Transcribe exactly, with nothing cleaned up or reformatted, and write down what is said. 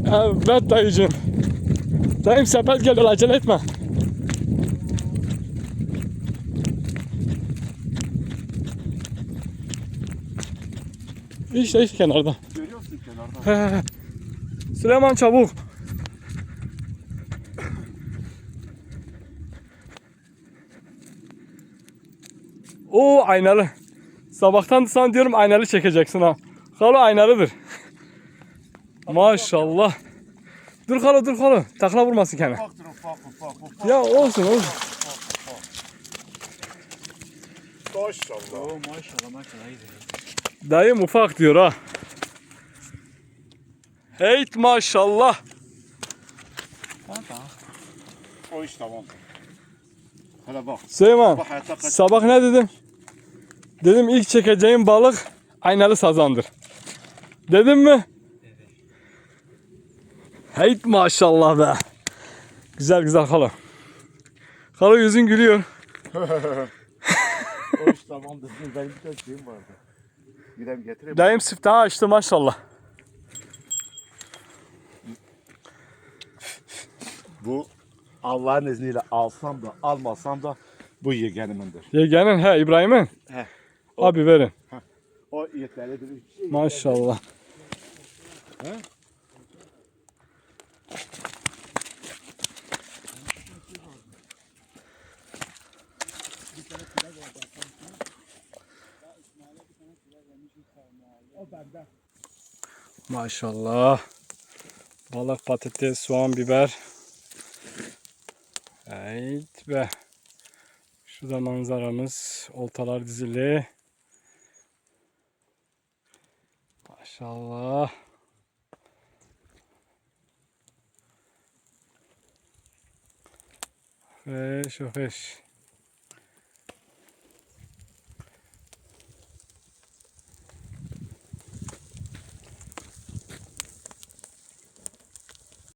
Evet dayıcığım. Dayım sepet geliyor, acele etme. İşte işte kenarda. Görüyor musun kenarda? He. Süleyman çabuk. Oo aynalı. Sabahtan sana diyorum aynalı çekeceksin ha. Halo aynalıdır. Maşallah. Dur halo dur halo. Takla vurmasın kendine. Ufaktır ufak ufak ufak. Ya olsun olsun. Maşallah. Oo maşallah maşallah iyi. Dayım ufak diyor ha. Heyt maşallah. Tamam. O iş tamam. Hele bak. Süleyman Bu hayata kaç. sabah ne dedim? Dedim ilk çekeceğim balık aynalı sazandır. Dedim mi? Evet. Heyt maşallah be. Güzel güzel halo. Halo yüzün gülüyor. O iş tamamdır. Benim bir tane şeyim vardı. Gidem getireyim. Dayım siftahı açtı maşallah. Bu Allah'ın izniyle alsam da almasam da bu yeğenimindir. Yeğenin he İbrahim'in. He. Abi verin. O yeterlidir. Şey Maşallah. He? Maşallah. Balık, patates, soğan, biber. Evet be. Şurada manzaramız. Oltalar dizili. Maşallah. Fresh, fresh.